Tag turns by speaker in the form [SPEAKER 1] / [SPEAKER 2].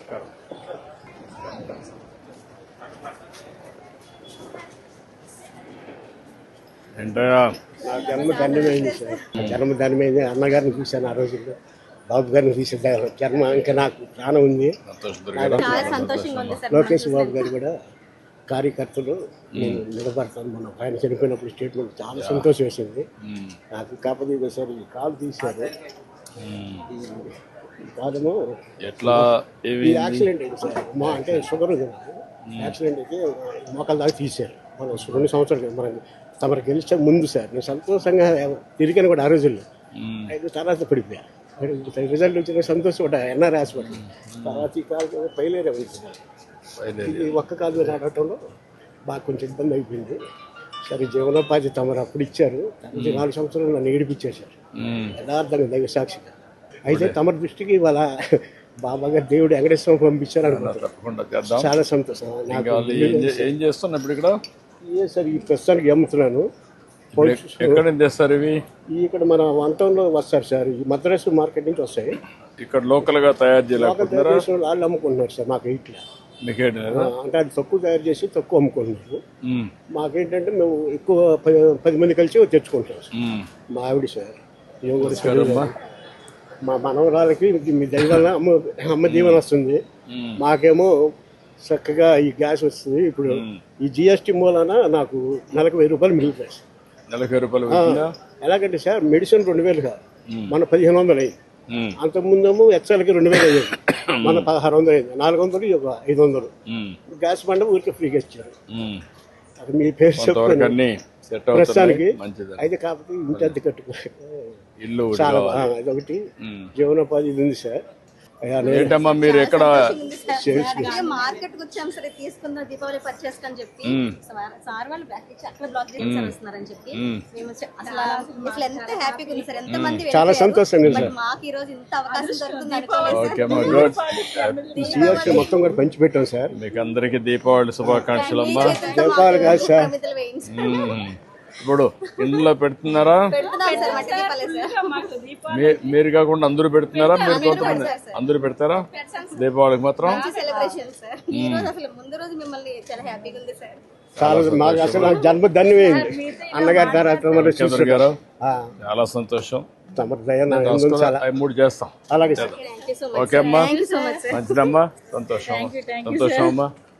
[SPEAKER 1] ఏంటయ్యా
[SPEAKER 2] నా జన్మ ధన్యమైంది సార్. జన్మ ధన్యమైంది. అన్నగారిని చూశాను ఆ రోజుల్లో, బాబు గారిని చూసాను. జన్మ ఇంకా నాకు ప్రాణం ఉంది. లోకేష్ బాబు గారు కూడా కార్యకర్తలు నేను నిలబడతాను. మనం ఆయన చనిపోయినప్పుడు స్టేట్మెంట్ చాలా సంతోషం వేసింది నాకు. కాకపోతే సార్ ఈ కాలు తీశారు. ఈ కాలము
[SPEAKER 1] ఎట్లా
[SPEAKER 2] యాక్సిడెంట్ అయింది సార్. మా అంటే షుగర్ ఉంది నాకు. యాక్సిడెంట్ అయితే మోకాల దాకా తీశారు. మనం 2 సంవత్సరాలు మనం తమరు గెలిచే ముందు సార్. నేను సంతోషంగా తిరిగాను కూడా ఆ రోజుల్లో. 5 తర్వాత పడిపోయా. రిజల్ట్ వచ్చిన సంతోషం కూడా ఎన్ఆర్ హాస్పిటల్. తర్వాత ఈ కాలు పైలేరే ఉంది సార్. ఇది ఒక్క కాలు మీద నడవటంలో బాగా కొంచెం ఇబ్బంది అయిపోయింది. సరే జీవనోపాధి తమరు అప్పుడు ఇచ్చారు. 4 సంవత్సరాలు నన్ను ఏడిపించేశారు యథార్థంగా, దైవ సాక్షిగా. అయితే తమరి దృష్టికి ఇవాళ బాబా గారు దేవుడు వెంకటేశ్వరం పంపించారు అనుకుంటున్నాను. చాలా సంతోషం.
[SPEAKER 1] ఏం చేస్తున్నా ఇప్పుడు ఇక్కడ?
[SPEAKER 2] సార్ ఈ ప్రస్తుతానికి అమ్ముతున్నాను.
[SPEAKER 1] ఎక్కడ తెస్తారు ఇవి?
[SPEAKER 2] ఇక్కడ మన వంటంలో వస్తారు సార్. ఈ మద్రాసు మార్కెట్ నుంచి వస్తాయి.
[SPEAKER 1] ఇక్కడ లోకల్ గా తయారు చేయలేకపోతున్నారా?
[SPEAKER 2] వాళ్ళు అమ్ముకుంటున్నారు సార్. మాకు ఇట్లా అంటే అది తక్కువ తయారు చేసి తక్కువ అమ్ముకుంటున్నారు. మాకేంటంటే మేము ఎక్కువ 10 మంది కలిసి తెచ్చుకుంటాం సార్. మా ఆవిడ సార్ ఏం కూడా మా మనవరాలకి మీ దైవాల అమ్మ దీవెన వస్తుంది. మాకేమో చక్కగా ఈ గ్యాస్ వస్తుంది. ఇప్పుడు ఈ జిఎస్టీ మూలాన నాకు నెలకు 1000 రూపాయలు మిగులుతాయి సార్.
[SPEAKER 1] నెలకు 1000 రూపాయలు
[SPEAKER 2] ఎలాగంటే సార్ మెడిసిన్ 2000 కాదు, మన 1500 అయింది. అంతకుముందేమో ఎక్సెల్కి 2000 అయ్యేది, మన 1600 అయింది. 400 ఒక 500. గ్యాస్ బండ ఊరికి ఫ్రీగా ఇచ్చారు. అది మీ పేరు చెప్తాను ప్రస్తుతానికి. అయితే కాకపోతే ఇంటి అద్దె కట్టుకోవాలి
[SPEAKER 1] ఇల్లు
[SPEAKER 2] చాలా అదొకటి జీవనోపాధి ఇది ఉంది సార్.
[SPEAKER 1] ఏంటమ్మా మీరు ఎక్కడ
[SPEAKER 3] మార్కెట్ వచ్చాం సరే తీసుకున్న దీపావళి పర్చేస్ అని చెప్పి సార్ వాళ్ళు అట్లా బ్లాక్ చేసి వస్తున్నారని చెప్పి మేము అసలు ఎంత హ్యాపీగా ఉంది సార్. ఎంత మంది
[SPEAKER 2] చాలా సంతోషంగా ఉంది సార్.
[SPEAKER 3] మాకు ఈ రోజు ఇంత అవకాశం దొరుకుతుంది.
[SPEAKER 2] మొత్తం కూడా పంచి పెట్టాం సార్.
[SPEAKER 1] మీకు అందరికి దీపావళి శుభాకాంక్షలు అమ్మా.
[SPEAKER 2] దీపావళి కాదు సార్,
[SPEAKER 1] ఇప్పుడు ఇందులో పెడుతున్నారా? మీరు కాకుండా అందరూ పెడుతున్నారా? మీరు కొంతమంది అందరూ పెడతారా దీపావళికి మాత్రం?
[SPEAKER 2] మాకు అసలు జన్మ ధన్యమైంది అన్నగారి తర్వాత
[SPEAKER 1] గారు. చాలా సంతోషం.
[SPEAKER 2] 3
[SPEAKER 1] చేస్తాం.
[SPEAKER 2] అలాగే సార్.
[SPEAKER 1] ఓకే అమ్మా, మంచిదమ్మా, సంతోషం. సంతోషం అమ్మా.